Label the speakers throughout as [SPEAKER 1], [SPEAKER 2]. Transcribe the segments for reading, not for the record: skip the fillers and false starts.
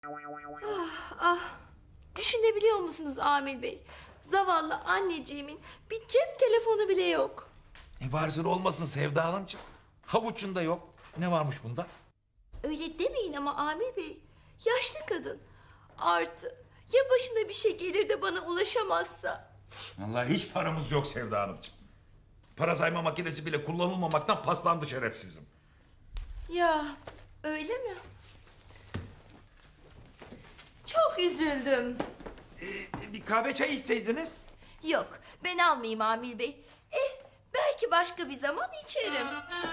[SPEAKER 1] Ah, ah. Düşünebiliyor musunuz Amil Bey? Zavallı anneciğimin bir cep telefonu bile yok.
[SPEAKER 2] Varsın olmasın Sevda Hanımcığım. Havuçunda yok. Ne varmış bunda?
[SPEAKER 1] Öyle demeyin ama Amil Bey. Yaşlı kadın. Artı ya başına bir şey gelir de bana ulaşamazsa?
[SPEAKER 2] Vallahi hiç paramız yok Sevda Hanımcığım. Para sayma makinesi bile kullanılmamaktan paslandı şerefsizim.
[SPEAKER 1] Ya öyle mi? Çok üzüldüm.
[SPEAKER 2] Bir kahve çay içseydiniz.
[SPEAKER 1] Yok ben almayayım Amil Bey. Belki başka bir zaman içerim.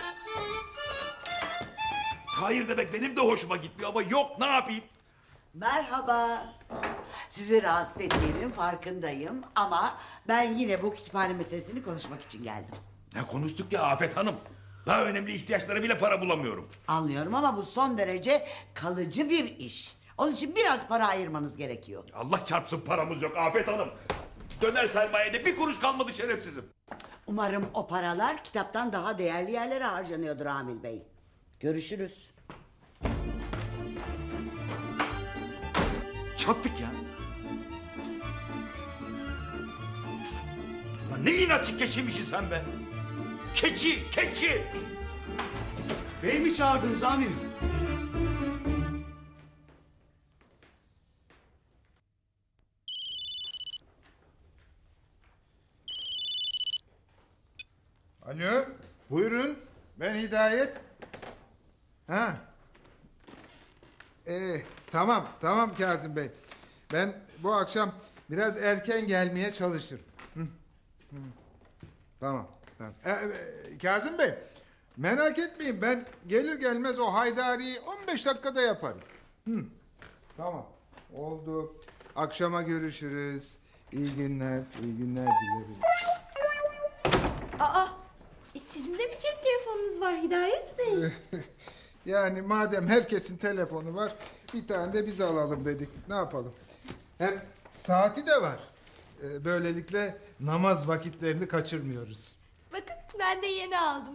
[SPEAKER 2] Hayır demek benim de hoşuma gitmiyor ama yok, ne yapayım?
[SPEAKER 3] Merhaba. Sizi rahatsız ettiğimin farkındayım ama ben yine bu kütüphane meselesini konuşmak için geldim.
[SPEAKER 2] Ne konuştuk ya Afet Hanım? Daha önemli ihtiyaçlara bile para bulamıyorum.
[SPEAKER 3] Anlıyorum ama bu son derece kalıcı bir iş. Onun için biraz para ayırmanız gerekiyor.
[SPEAKER 2] Allah çarpsın paramız yok Afet Hanım. Döner sermayede bir kuruş kalmadı şerefsizim.
[SPEAKER 3] Umarım o paralar kitaptan daha değerli yerlere harcanıyordur Amil Bey. Görüşürüz.
[SPEAKER 2] Çattık ya. Lan ne inatçı keçiymişsin sen be. Keçi, keçi.
[SPEAKER 4] Bey mi çağırdınız amirim?
[SPEAKER 5] Alo, buyurun. Ben Hidayet. Ha. Tamam Kazım Bey. Ben bu akşam biraz erken gelmeye çalışırım. Tamam. Kazım Bey, merak etmeyin. Ben gelir gelmez o haydariyi 15 dakikada yaparım. Tamam, oldu. Akşama görüşürüz. İyi günler dilerim.
[SPEAKER 1] Aa, sizin de mi cep telefonunuz var Hidayet Bey?
[SPEAKER 5] Yani madem herkesin telefonu var, bir tane de biz alalım dedik. Ne yapalım? Hem saati de var. Böylelikle namaz vakitlerini kaçırmıyoruz.
[SPEAKER 1] Bakın ben de yeni aldım.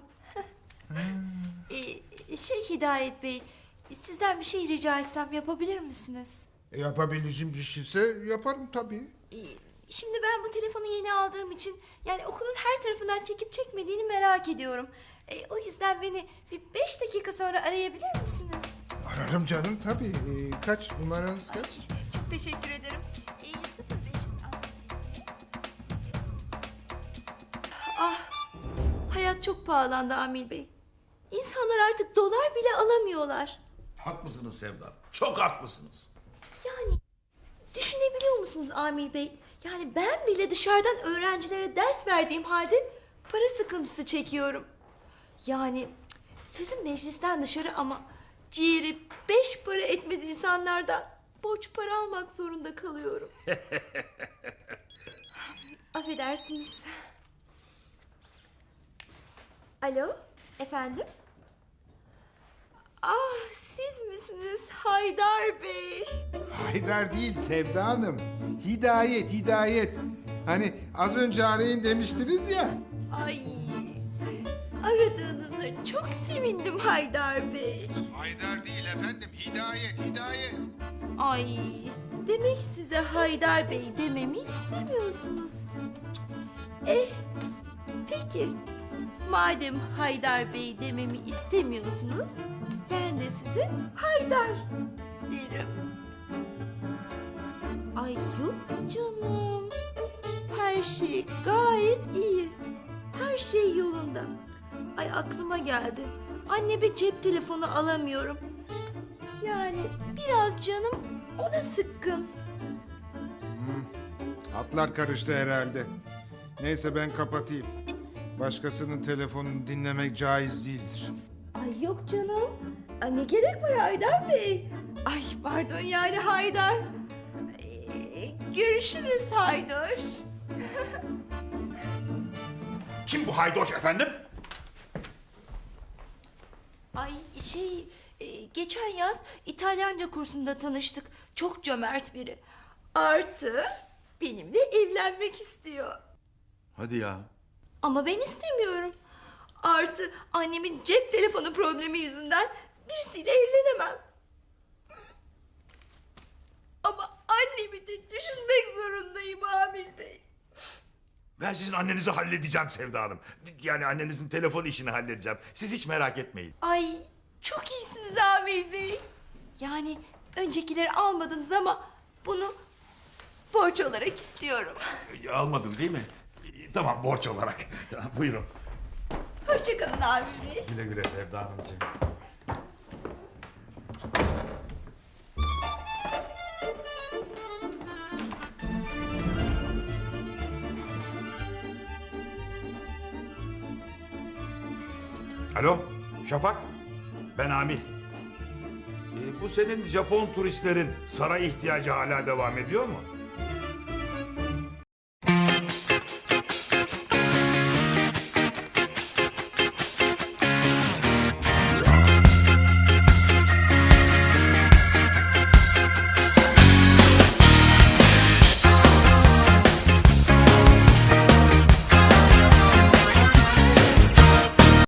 [SPEAKER 1] Hidayet Bey, sizden bir şey rica etsem yapabilir misiniz?
[SPEAKER 5] Yapabileceğim bir şeyse yaparım tabii.
[SPEAKER 1] Şimdi ben bu telefonu yeni aldığım için yani okulun her tarafından çekip çekmediğini merak ediyorum. O yüzden beni bir 5 dakika sonra arayabilir misiniz?
[SPEAKER 5] Ararım canım tabii. Kaç numaranız kaç?
[SPEAKER 1] Çok teşekkür ederim. 0567. Ah, hayat çok pahalandı Amil Bey. İnsanlar artık dolar bile alamıyorlar.
[SPEAKER 2] Haklısınız Sevda Hanım. Çok haklısınız.
[SPEAKER 1] Yani düşünebiliyor musunuz Amil Bey? Yani ben bile dışarıdan öğrencilere ders verdiğim halde para sıkıntısı çekiyorum. Yani sözüm meclisten dışarı ama ciğeri 5 para etmez insanlardan borç para almak zorunda kalıyorum. Affedersiniz. Alo, efendim? Ah, siz misiniz Haydar Bey?
[SPEAKER 5] Haydar değil Sevda Hanım. Hidayet. Hani az önce arayın demiştiniz ya.
[SPEAKER 1] Ay, aradığınıza çok sevindim Haydar Bey.
[SPEAKER 5] Haydar değil efendim. Hidayet.
[SPEAKER 1] Ay, demek size Haydar Bey dememi istemiyorsunuz. Peki. Madem Haydar Bey dememi istemiyorsunuz, ben de size Haydar derim. Ay yok canım. Her şey gayet iyi. Her şey yolunda. Ay aklıma geldi. Anneme cep telefonu alamıyorum. Yani biraz canım ona sıkkın.
[SPEAKER 5] Hatlar karıştı herhalde. Neyse ben kapatayım. Başkasının telefonunu dinlemek caiz değildir.
[SPEAKER 1] Ay yok canım. Ay ne gerek var Haydar Bey? Ay pardon yani Haydar. Görüşürüz Haydar.
[SPEAKER 2] Kim bu haydoş efendim?
[SPEAKER 1] Ay geçen yaz İtalyanca kursunda tanıştık. Çok cömert biri. Artı benimle evlenmek istiyor.
[SPEAKER 2] Hadi ya.
[SPEAKER 1] Ama ben istemiyorum. Artı annemin cep telefonu problemi yüzünden birisiyle evlenemem.
[SPEAKER 2] Ben sizin annenizi halledeceğim Sevda Hanım. Yani annenizin telefon işini halledeceğim. Siz hiç merak etmeyin.
[SPEAKER 1] Ay çok iyisiniz Amil Bey. Yani öncekileri almadınız ama bunu borç olarak istiyorum.
[SPEAKER 2] Almadın değil mi? Tamam, borç olarak. Buyurun.
[SPEAKER 1] Hoşçakalın Amil Bey.
[SPEAKER 2] Güle güle Sevda Hanımcığım. Alo, Şafak. Ben Amil. Bu senin Japon turistlerin saray ihtiyacı hala devam ediyor mu?